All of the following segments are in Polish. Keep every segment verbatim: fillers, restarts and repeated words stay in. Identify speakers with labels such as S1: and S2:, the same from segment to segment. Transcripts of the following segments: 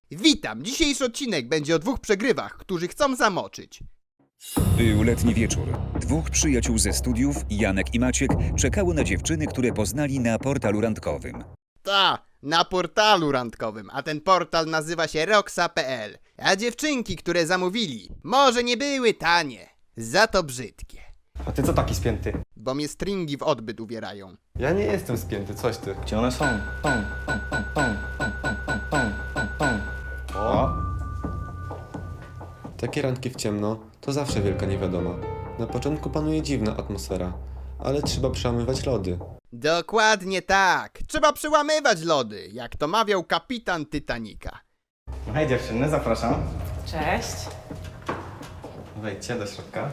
S1: Witam! Dzisiejszy odcinek będzie o dwóch przegrywach, którzy chcą zamoczyć.
S2: Był letni wieczór. Dwóch przyjaciół ze studiów, Janek i Maciek, czekało na dziewczyny, które poznali na portalu randkowym.
S1: Ta, na portalu randkowym, a ten portal nazywa się roxa kropka pe el. A dziewczynki, które zamówili, może nie były tanie, za to brzydkie.
S3: A ty co taki spięty?
S1: Bo mnie stringi w odbyt uwierają.
S3: Ja nie jestem spięty, coś ty.
S4: Gdzie one są? Tą, tą, tą, tą, tą, tą, tą, tą, tą.
S3: O!
S5: Takie randki w ciemno to zawsze wielka niewiadoma. Na początku panuje dziwna atmosfera, ale trzeba przełamywać lody.
S1: Dokładnie tak. Trzeba przełamywać lody, jak to mawiał kapitan Titanica.
S3: Hej dziewczyny, zapraszam.
S6: Cześć.
S3: Wejdźcie do środka.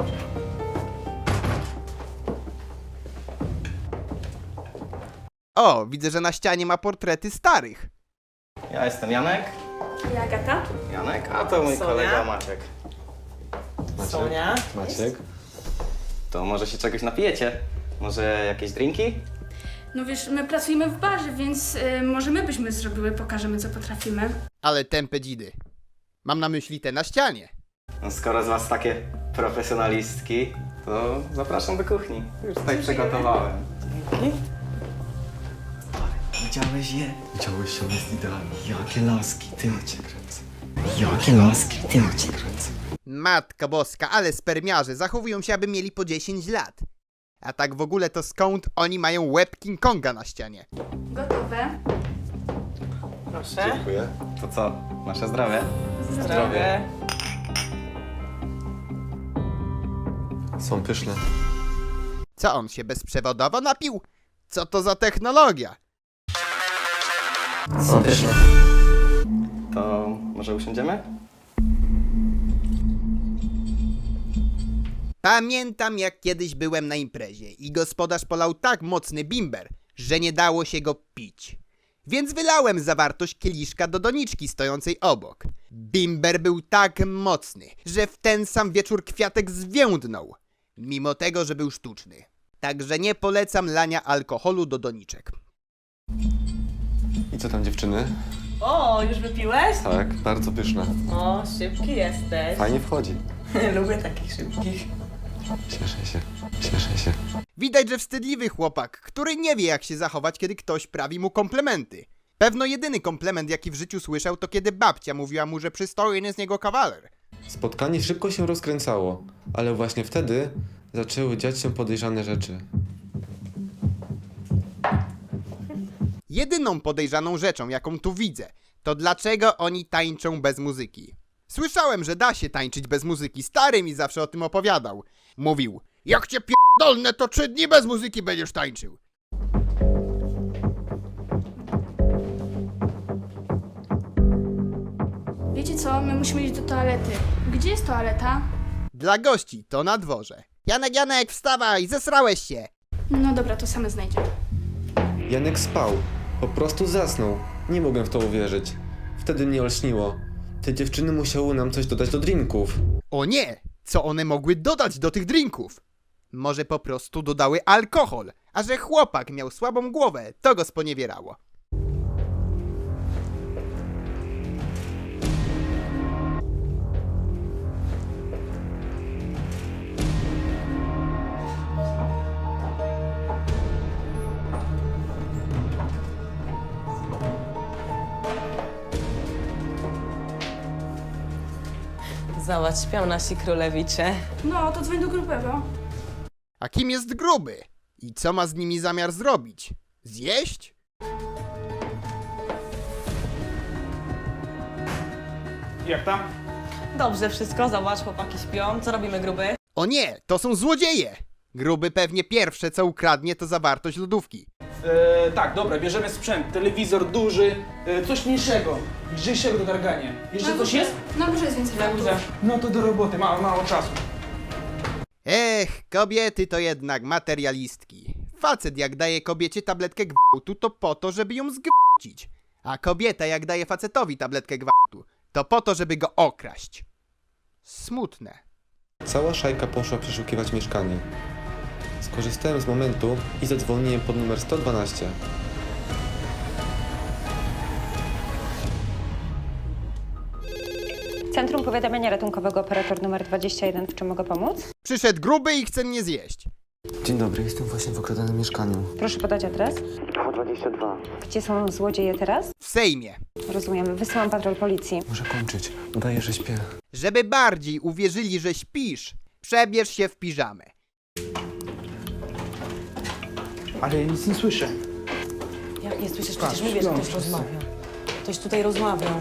S1: O, widzę, że na ścianie ma portrety starych.
S3: Ja jestem Janek.
S6: Ja Agata.
S3: Janek, a to mój
S6: Sonia.
S3: kolega Maciek.
S6: Sonia.
S5: Maciek?
S3: To może się czegoś napijecie? Może jakieś drinki?
S7: No wiesz, my pracujemy w barze, więc y, może my byśmy zrobiły, pokażemy co potrafimy.
S1: Ale tępe dzidy. Mam na myśli te na ścianie.
S3: No, skoro z was takie profesjonalistki, to zapraszam do kuchni. Już tutaj przygotowałem.
S6: Dzięki.
S4: Widziałeś je? Widziałeś ją, jest idealnie. Jakie laski, ty cię kręcę. Jakie laski, ty cię kręcę.
S1: Matka boska, ale spermiarze zachowują się, aby mieli po dziesięć lat. A tak w ogóle to skąd oni mają łeb King Konga na ścianie?
S7: Gotowe?
S6: Proszę.
S3: Dziękuję. To co? Nasze zdrowie?
S6: Zdrowie.
S5: Są pyszne.
S1: Co on się bezprzewodowo napił? Co to za technologia?
S6: Są pyszne.
S3: To może usiądziemy?
S1: Pamiętam, jak kiedyś byłem na imprezie i gospodarz polał tak mocny bimber, że nie dało się go pić. Więc wylałem zawartość kieliszka do doniczki stojącej obok. Bimber był tak mocny, że w ten sam wieczór kwiatek zwiędnął, mimo tego, że był sztuczny. Także nie polecam lania alkoholu do doniczek.
S5: I co tam dziewczyny?
S6: O, już wypiłeś?
S5: Tak, bardzo pyszne.
S6: O, szybki jesteś.
S5: Fajnie wchodzi.
S6: Lubię takich szybkich.
S5: Cieszę się, cieszę się.
S1: Widać, że wstydliwy chłopak, który nie wie, jak się zachować, kiedy ktoś prawi mu komplementy. Pewno jedyny komplement, jaki w życiu słyszał, to kiedy babcia mówiła mu, że przystojny z niego kawaler.
S5: Spotkanie szybko się rozkręcało, ale właśnie wtedy zaczęły dziać się podejrzane rzeczy.
S1: Jedyną podejrzaną rzeczą, jaką tu widzę, to dlaczego oni tańczą bez muzyki. Słyszałem, że da się tańczyć bez muzyki, stary mi zawsze o tym opowiadał. Mówił, jak cię pierdolnę, to trzy dni bez muzyki będziesz tańczył.
S7: Wiecie co? My musimy iść do toalety. Gdzie jest toaleta?
S1: Dla gości to na dworze. Janek, Janek, wstawaj, zesrałeś się.
S7: No dobra, to same znajdziemy.
S5: Janek spał. Po prostu zasnął. Nie mogłem w to uwierzyć. Wtedy mnie olśniło. Te dziewczyny musiały nam coś dodać do drinków.
S1: O nie, co one mogły dodać do tych drinków? Może po prostu dodały alkohol, a że chłopak miał słabą głowę, to go sponiewierało.
S6: Zobacz, śpią nasi królewicze.
S7: No, to dzwoń do grubego.
S1: A kim jest gruby? I co ma z nimi zamiar zrobić? Zjeść?
S8: Jak tam?
S6: Dobrze wszystko, zobacz, chłopaki śpią. Co robimy, gruby?
S1: O nie, to są złodzieje! Gruby pewnie pierwsze co ukradnie to zawartość lodówki.
S8: E, tak, dobra, bierzemy sprzęt. Telewizor duży, e, coś mniejszego, lżejszego do targania. Jeszcze coś jest?
S7: Na górze jest więcej
S6: Na
S7: faktów.
S6: górze.
S8: No to do roboty, mało, mało czasu.
S1: Ech, kobiety to jednak materialistki. Facet jak daje kobiecie tabletkę gwałtu to po to, żeby ją zgwałcić. A kobieta jak daje facetowi tabletkę gwałtu to po to, żeby go okraść. Smutne.
S5: Cała szajka poszła przeszukiwać mieszkanie. Skorzystałem z momentu i zadzwoniłem pod numer sto dwanaście.
S9: Centrum Powiadamiania Ratunkowego, operator numer dwadzieścia jeden. W czym mogę pomóc?
S1: Przyszedł gruby i chce mnie zjeść.
S5: Dzień dobry, jestem właśnie w okradanym mieszkaniu.
S9: Proszę podać adres.
S5: dwadzieścia dwa.
S9: Gdzie są złodzieje teraz?
S1: W Sejmie.
S9: Rozumiem. Wysyłam patrol policji.
S5: Muszę kończyć. Udaję, że śpię.
S1: Żeby bardziej uwierzyli, że śpisz, przebierz się w piżamę.
S8: Ale ja nic nie słyszę.
S6: Jak nie słyszysz?
S8: Patrz,
S6: Przecież mówię, że
S8: śpią
S6: ktoś
S8: wszyscy.
S6: rozmawia. Ktoś tutaj rozmawiał.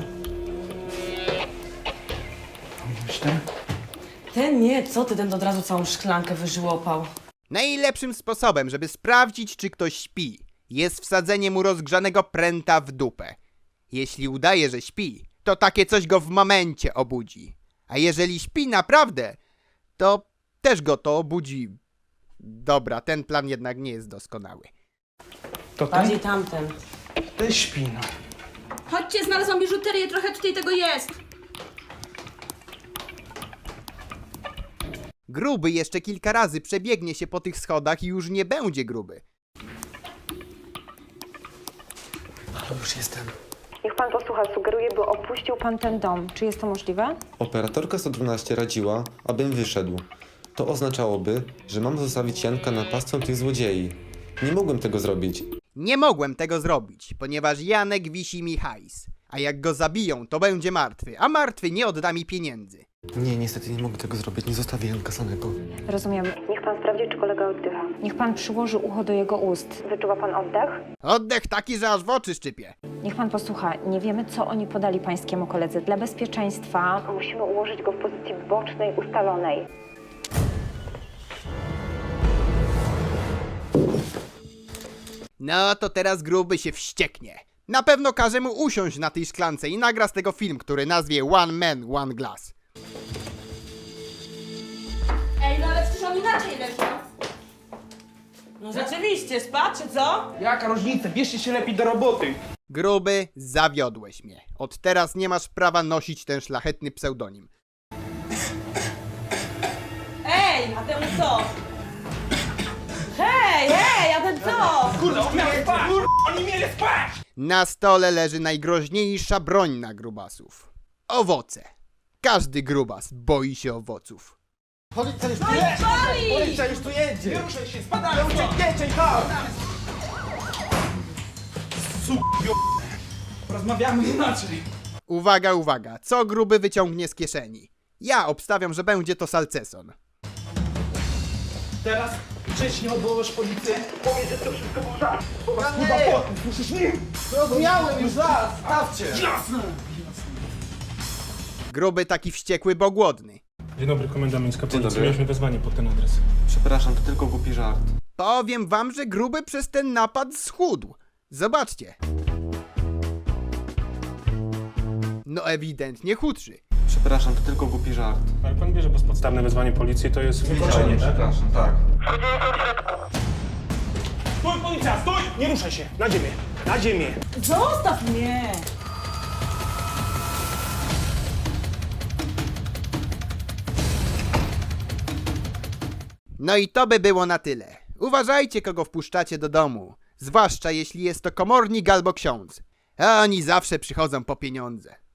S8: Myślę.
S6: Ten nie, co ty, ten od razu całą szklankę wyżłopał.
S1: Najlepszym sposobem, żeby sprawdzić, czy ktoś śpi, jest wsadzenie mu rozgrzanego pręta w dupę. Jeśli udaje, że śpi, to takie coś go w momencie obudzi. A jeżeli śpi naprawdę, to też go to obudzi. Dobra, ten plan jednak nie jest doskonały.
S8: To ten?
S6: Bardziej tamten.
S8: Ten śpi, no.
S7: Chodźcie, znalazłam biżuterię, trochę tutaj tego jest.
S1: Gruby jeszcze kilka razy przebiegnie się po tych schodach i już nie będzie gruby.
S5: Ale już jestem.
S9: Niech pan posłucha. Sugeruję, by opuścił pan ten dom. Czy jest to możliwe?
S5: Operatorka sto dwanaście radziła, abym wyszedł. To oznaczałoby, że mam zostawić Janka napastcą tych złodziei. Nie mogłem tego zrobić.
S1: Nie mogłem tego zrobić, ponieważ Janek wisi mi hajs. A jak go zabiją, to będzie martwy, a martwy nie odda mi pieniędzy.
S5: Nie, niestety nie mogę tego zrobić. Nie zostawię Janka samego.
S9: Rozumiem. Niech pan sprawdzi, czy kolega oddycha. Niech pan przyłoży ucho do jego ust. Wyczuwa pan oddech?
S1: Oddech taki, że aż w oczy szczypie.
S9: Niech pan posłucha. Nie wiemy, co oni podali pańskiemu koledze. Dla bezpieczeństwa musimy ułożyć go w pozycji bocznej, ustalonej.
S1: No to teraz gruby się wścieknie. Na pewno każe mu usiąść na tej szklance i nagra z tego film, który nazwie One Man, One Glass.
S7: Ej, no ale przecież on inaczej leży.
S6: No rzeczywiście, spadł czy co?
S8: Jaka różnica? Bierzcie się lepiej do roboty.
S1: Gruby, zawiodłeś mnie. Od teraz nie masz prawa nosić ten szlachetny pseudonim.
S6: Ej, a ten co? Hej, hej, a ten co?
S8: Kurde, on miał spać! Kurde, oni mieli spać!
S1: Na stole leży najgroźniejsza broń na grubasów. Owoce. Każdy grubas boi się owoców.
S8: Policja już tu jedzie! Policja już tu jedzie! Nie ruszaj się, spadamy! Uciekniecie, chodź! Su***io... Rozmawiamy inaczej.
S1: Uwaga, uwaga, co gruby wyciągnie z kieszeni? Ja obstawiam, że będzie to salceson.
S8: Teraz wcześniej odwołasz policję. Powiedz, że to wszystko był żart. Bo was chyba potem, słyszysz mnie? Zrozumiałem już raz, stawcie! Jasne!
S1: Gruby taki wściekły, bo głodny.
S10: Dzień dobry, komenda miejska policji.
S5: dobry.
S10: Mieliśmy wezwanie pod ten adres.
S5: Przepraszam, to tylko głupi żart.
S1: Powiem wam, że gruby przez ten napad schudł. Zobaczcie. No ewidentnie chudszy.
S5: Przepraszam, to tylko głupi żart.
S10: Ale pan wie, że bezpodstawne wezwanie policji to jest wykroczenie.
S5: Przepraszam, tak.
S8: Stój, policja, stój! Nie ruszaj się, na ziemię, na ziemię.
S6: Zostaw mnie!
S1: No i to by było na tyle. Uważajcie, kogo wpuszczacie do domu. Zwłaszcza jeśli jest to komornik albo ksiądz. A oni zawsze przychodzą po pieniądze.